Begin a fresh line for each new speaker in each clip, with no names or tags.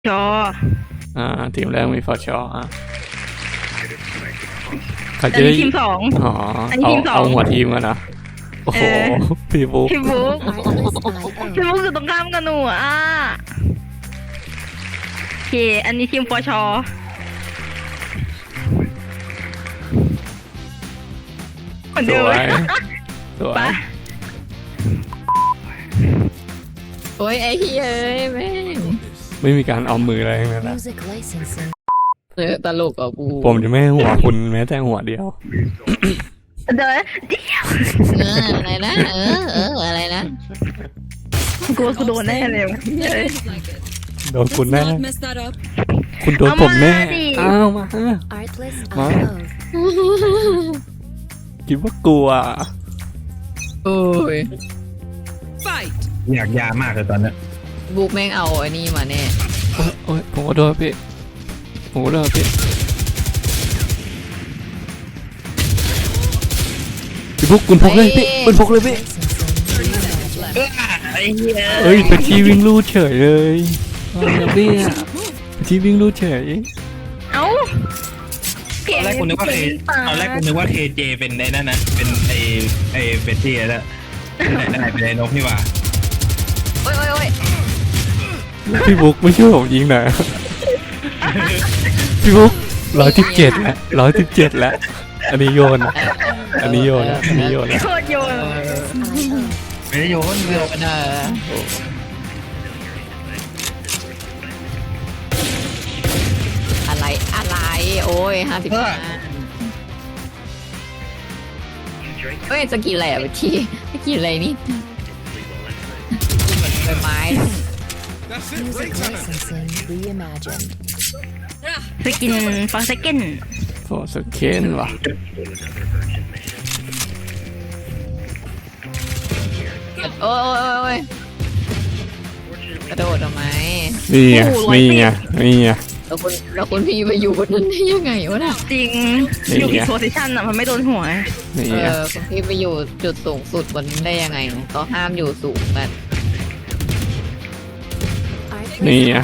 จอ
ทีมแรกมีฟอร์ชเขา
อั
จะ
น
ได้
นี้ทีมสอง
อ๋อ
อันนี้ทีมสอง
เอาหัวทีมกันนะโอ้โหพี่บุ๊ก
พี่บุ๊กพี่บุ๊กอยู่ตรงข้ามกับหนูโอเคอันนี้ทีมฟอชเหมือน
ส
เดิม
วยสวย
ไป
โอ้ยไอ้เฮ้ยแม่ง
ไม่มีการเอามืออะไรทั้งนั้นนะ
Music licensing.
ตลกอ่ะกู
ผมจะไม่ให้หัวคุณแม้แต่หัวเดียว
เดี๋ยว
อะไรนะอะไรนะ
กูว่ากูโดนแน่เลย
โดนคุณแน่
Mess that up.
คุณโดนผมแน่อ้าวมา
Artless
Huh?
IO.
คิดว่ากลัว
โอ้ย
Fight.
อยากยามากเลยตอนเนี้ย
บุ๊กแม่งเอาไอ้นี่มาแน่
โอ้ยผมก็โดนพี่ผมก็โดนพี่บุ๊กคุณพกเลยพี่คุณพกเลยพี่
Licensing.
เอ้ยตะกี้วิ่งลู่เฉยเลยอะไรพี่อะตะกี้วิ่งลู่เฉย
เอ้า
ตอนแรกกูนึกว่าเคเจเป็นในนั่นนะเป็นไอเป็นที่แล้วไหนเป็นไอ้นกนี่หว่า
โอ้ยโอ้ยโอ้ย
พี่บุ๊กไม่ช่วยผมยิงหน่อยพี่บุ๊ก117แล้วอันนี้โยนอันนี้โยนแล้ว
โคตรโยน
ไม่ได้โยนเรือ
เอออะไรโอ้ย55เฮ้ยจะกินอะไรอ่ะพี่จะกินอะไรนี่ใบไม้
Music licensing reimagined.
สกินฟอสเกน
โอ้สเคนว่ะ
โอ้ยกระโดดทำไม
นี่ไง
แล้วคุณพี่ไปอยู่บนนั้นได้ยังไงวะน่ะ
จริงอยู่อีกโพซิชันมันไม่โดนหัว
นี่
เอ
ไง
อคุณพี่ไปอยู่จุดสูงสุดบนนั้นได้ยังไงเขาห้ามอยู่สูงกัน
Artless
Nee, ja.
IO.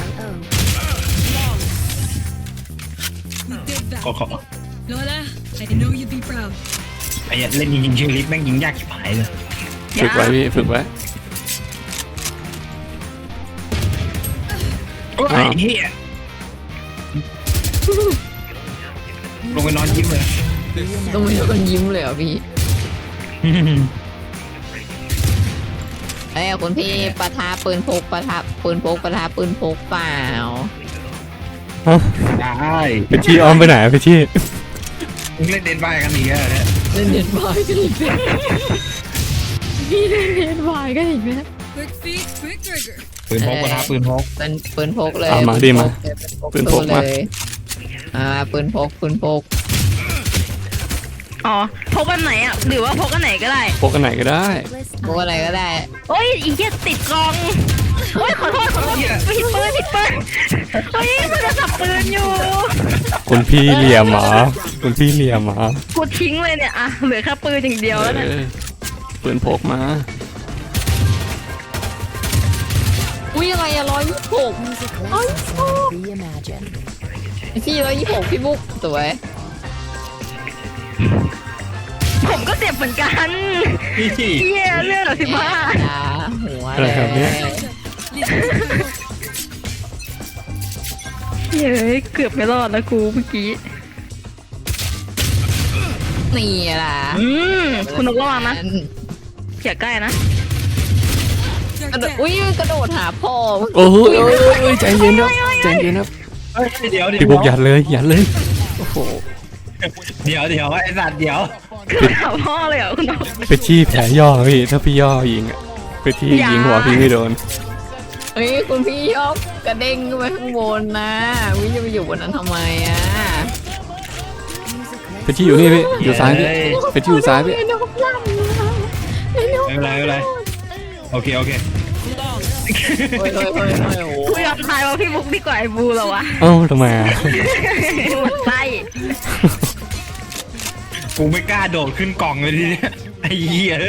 We did that.
ขอ
Lola, I know you'd be proud.
ไอ้เล่นยิงชื่อลิฟแม่งยิงยากชิบหายเลย
ฝึกไว้พี่ฝึกไว้
โอ้ยเฮียลงไปนอนยิ้มเลย
ต้องมีคนยิ้มเลยเหรอพี่เอ้ยคุณพี่ปะทะปืนพกปะทะปืนพกเปล่า
ฮะ
ได้
ไปที่อ้อมไปไหนไปที่
มึงเล่นเดนบายกันอีกแล้วเนี่ย
เล่นเน็ตบายกันอีกแล้วพี่เล่นเน็ตบายกันอีกแล้ว
Quick feet, quick trigger.
ปืนพกปะทะปืนพก
เป็นปืนพกเลย
เอามาดิมาปืนพกมา
เลยปืนพก
อ๋อพกอันไหนหรือว่าพกอันไหนก็ได้
พกกันไหนก็ได้
Artless
พกอะไรก็ได้
โอ้ยอีเหี้ยติดกองโอ้ยขอโทษผิดปืนเฮ้ยมันจะจับปืนอยู่
คุณพี่เหลี่ยมหมาคุณพี่เหลี่ยมหมา
กูทิ้งเลยเนี่ยเหลือแค่ปืนอย่างเดียวแล้วนะ
ปืนพกมา
อุ้ยอะไรอะ126
music licensing reimagined.
พี่126พี่บุ๊กสวย
ผมก็เจ็บเหมือนกัน
นี่
เหี้ยเรื่องเหรอ15
หัว
อะไรครับเนี่ย
เย้ยเกือบไม่รอดแล้วกูเมื่อกี้
นี่ล่ะ
คุณนกระวังนะอย่าใกล้นะ
กระโดดอุ้ยกระโดดหาพ่อ
โอ้ยใจเย็นครับใจเย็นครับ
เดี๋ยว
พี่บุ๊กยัดเลยโอ้โห
เดี๋ยวไอ้สัตว์เดี๋ยว
คือหาพ่อเลยเหรอคุณนก
ไปที่แผลย่อพี่ถ้าพี่ย่อยิงอะไปที่ยิงหัวพี่ไม่โดน
เฮ้ยคุณพี่ยกกระเด้งขึ้นไปข้างบนนะวิจะไปอยู่บนนั้นทำไมอ่ะ
ไปที่อยู่นี่พี่อยู่ซ้ายพี่ไปที่อยู่ซ้ายพี่
ไอ้นกลั่น
ไม่เป็นไรโอเค
โอ้ยโอ้
กูยอมทายว่าพี่บุ๊กดีกว่าไอ้บูเหรอวะ
เอ้าทำไมอะ
หมดไส้
กูไม่กล้าโดดขึ้นกล่องเลยทีเนี้ยไอ้เหี้ย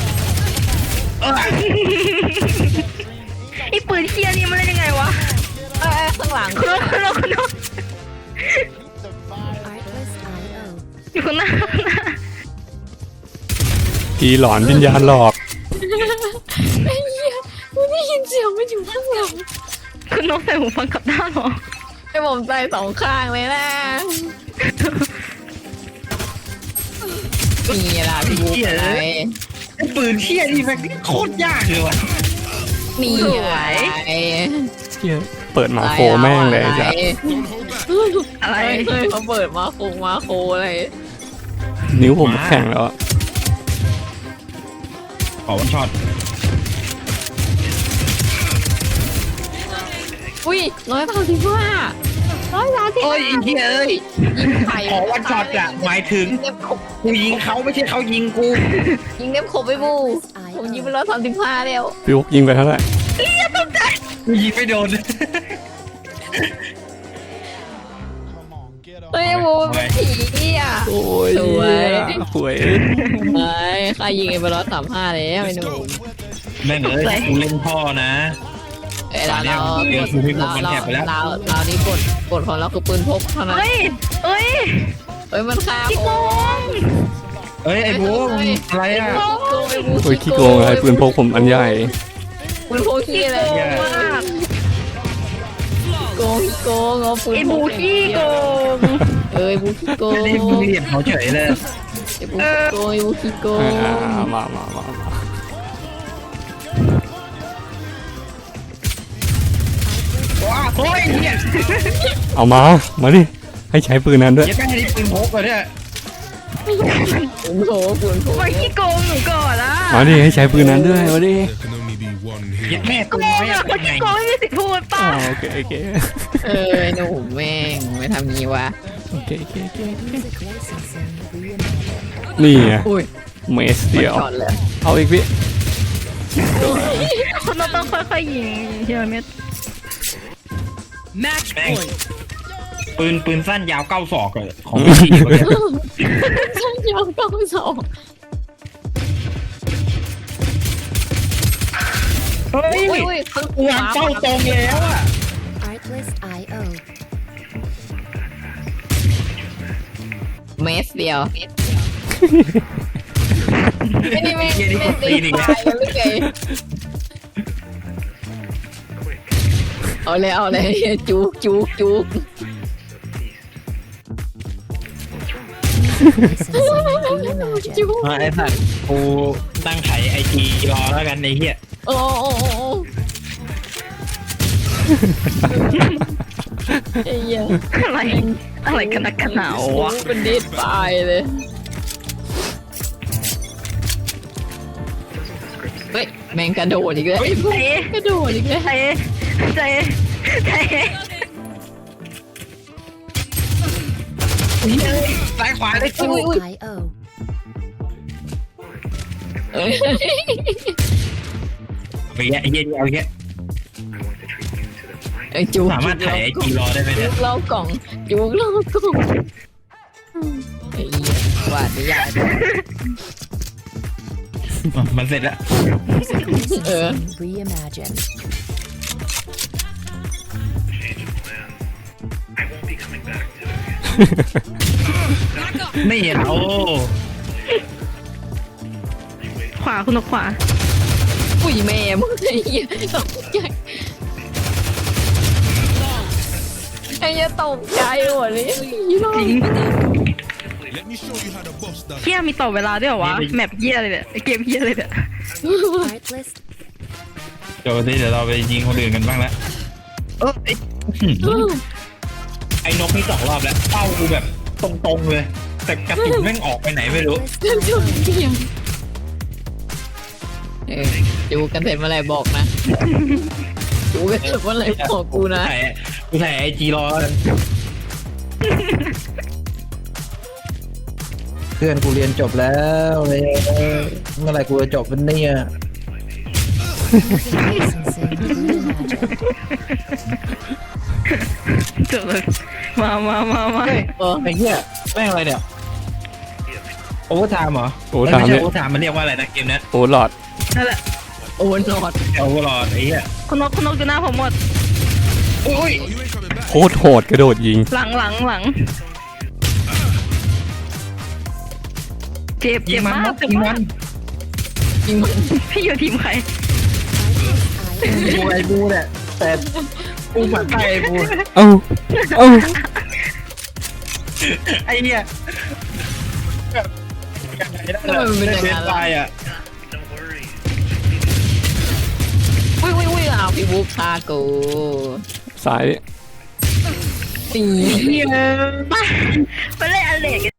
ไอ้ปืนเคียนี่มันเล่นยังไงวะคุณหน้า
ผีหลอนวิญญาณหลอก
ไอ้เหี้ยกูได้ยินเสียงมันอยู่ข้างหลัง
คุณนกใส่หูฟังกลับด้านเหรอ
ไอ้ผมใส่สองข้างเลยนะนี่ล่ะพี่บุ๊กอะไร
ไอ้ปืนเชี่ยนี่แม่งโคตรยากเลยว่ะ
นี่อะไร
เหี้ยเปิดมาโคแม่งเลยจ้ะ
อะไร
เฮ้ยเขาเปิดมาโคอะไร
นิ้วผมแข็งแล้วอะ
ขอวันช็อต
อุ้ย135
โอ้ยไอ้เหี้ยเอ้ย
ยิงไข่
ขอวันช็อตอะหมายถึง
ยิงเน็บขบ
กูยิงเขาไม่ใช่เขายิงกู
ยิงเน็บขบไปบูผมยิงไป135แล้ว
พี่วุกยิงไปเท่าไหร่
กูยิงไม่โดน
เฮ้ยบูเป็นผีอ่ะ
โอ้ย
สวย
หวย
เฮ้ยใครยิงไป135แล้วไอ้หนุ่ม
แม่งเอ้ยกูเล่นพ่อนะ
เอ้ยเรา
เดี๋ยวคือพี่บุ๊กมันแถบไปแล้ว
เรานี่กดของเราคือปืนพกเท่านั้น
เฮ้ยเฮ้ย
เฮ้ยมันฆ่า
พี่
ค
โก
น
ง
เอ้ยไอ้บูมอะไรอ่ะ
โอ้ยขี้โกงอะไรปืนพกผมอันใหญ่
ปืนพกขี้อะไร
มาก
โกงเอาปืน
ไอ้บูขี้โกง
เอ้ยบูขี้โกง
นี่มึงเหลี่ยมเขาเฉยเลย
ไอ้บูขี้โกงไอ้บูขี้โกง
มา
ว้าโอ้ยเนี่ย
เอามาดิให้ใช้ปืนนั้นด้วย
ยัดแม่งให้ปืนพกเลยเนี่ย
ปืนโผปืนโผ
มันขี้โกงหนูก่อนละ
มาดิให้ใช้ปืนนั้นด้วยมาดิ
There can only be one
ยัด
hero.
แม่
โก
กู
ง
ไม่
อ่ะคน
ไง
ขี้โกงไม่มีสิทธิ์พูดป่ะ
โอเค
ไอ้หนุ่มแม่งไม่ทำงี้วะ
โอเค
Music licensing reimagined.
นี่ไง
อุ้ย
เมสเดียว
ช็อตเลย
เอาอีกพี่
คนเราต้องค่อยๆยิงทีละเม็ด
Match
แม่ง
point.
ปืนสั้นยาว9ศอกเลยของพี่เขาเนี่ย
ฉันยอมต้องสอง
เฮ้ย
อุ้ย
กูวางเป้าตรงแล้วอ่ะ
Artlist.io.
เมสเดียวไม่ได้ไม่
เหี้ยนี่กดตีนอีกแล้ว
ตายแล้วหรือไงเอาเลยจุก
Licensing reimagined.
จุก
ไอ้สัตว์กูตั้งไขไอจีรอแล้วกันไอ้เหี้ย
โอ้ไอ้เหี้ย
อะไรกันนักกันหนาววะ
เป็นดิสตายเลยเฮ้ยแมงกระโดดอีกแล้วไอ้พวกกระโดดอีกแล้ว
ใจ
ซ้ายขวาได้กู
.io.
เอ้ย
ไปแยะไอ้เหี้ยนี่เอาแยะ
ไอ้จุก
สามารถถ่ายไอจีรอได้ไหม
จุ
เนี่ย
กเล่ากล่องจุกเล่ากล่องไอ้เหี้ยวาดไม่ยาก
มันเสร็จแล้ว
Music licensing reimagined.
ไม่เห็นโอ้
ขวาคุณนกขวา
อุ้ยแม่มึงไอ้เหี้ยตกใจไอ้เหี้ยตกใจหมดเลย
จริง
Let me show you how the boss does
เฮียมีต่อเวลาด้วยเหรอวะแมปเฮียเลยเนี่ยเกมเฮียเลยเนี่ย
Artlist.
เดี๋ยวเดี๋ยวเราไปยิงคนอื่นกันบ้างแล้วไอ้นกนี่2 รอบแล้วเป้ากูแบบตรงๆเลย แต่กระสุนแม่งออกไปไหนไม่รู้
ดูกันเสร็จเมื่อไหร่บอกนะดูกันเสร็จเมื่อไหร่บอกกูนะ
กูถ่ายไอจีรอกันเพื่อนกูเรียนจบแล้วเลยเมื่อไหร่กูจะจบเป็นเนี่ย
Music licensing reimagined.
จบเลยมา
ไอ้เหี้ยแม่งอะไรเนี่ยโอเวอร์ไทม์เหรอ
โอ้ถาม
ไม่
เนี่
ใช่
ย
โอเวอร์ไทม์มันเรียกว่าอะไรนะเกมนี้
โอ้หลอด
นั่นแหละ
โอนหลอด
โอเวอร์ลอดไอ้เหี้ย
คุณนกอยู่หน้าผมหมด
โอ้ย
Oh, you ain't coming back.
โคตรโหดกระโดดยิง
หลังเจ็บ
ยิ
เจ็
ง
บ
มัน
มาก
ยิงมัน
ยิงมัน
พี่อยู่ทีมใคร
บูไอ้บูเนี่ยแต่บูฝันใจไอ้บู
เอ้าเอ้า
ไอ้เนี่ยแบบเป็นตายอ่ะ
อุ้ยอ้าวพี่บุ๊กฆ่ากู
สาย
ตี
มาเล่นอเล็ก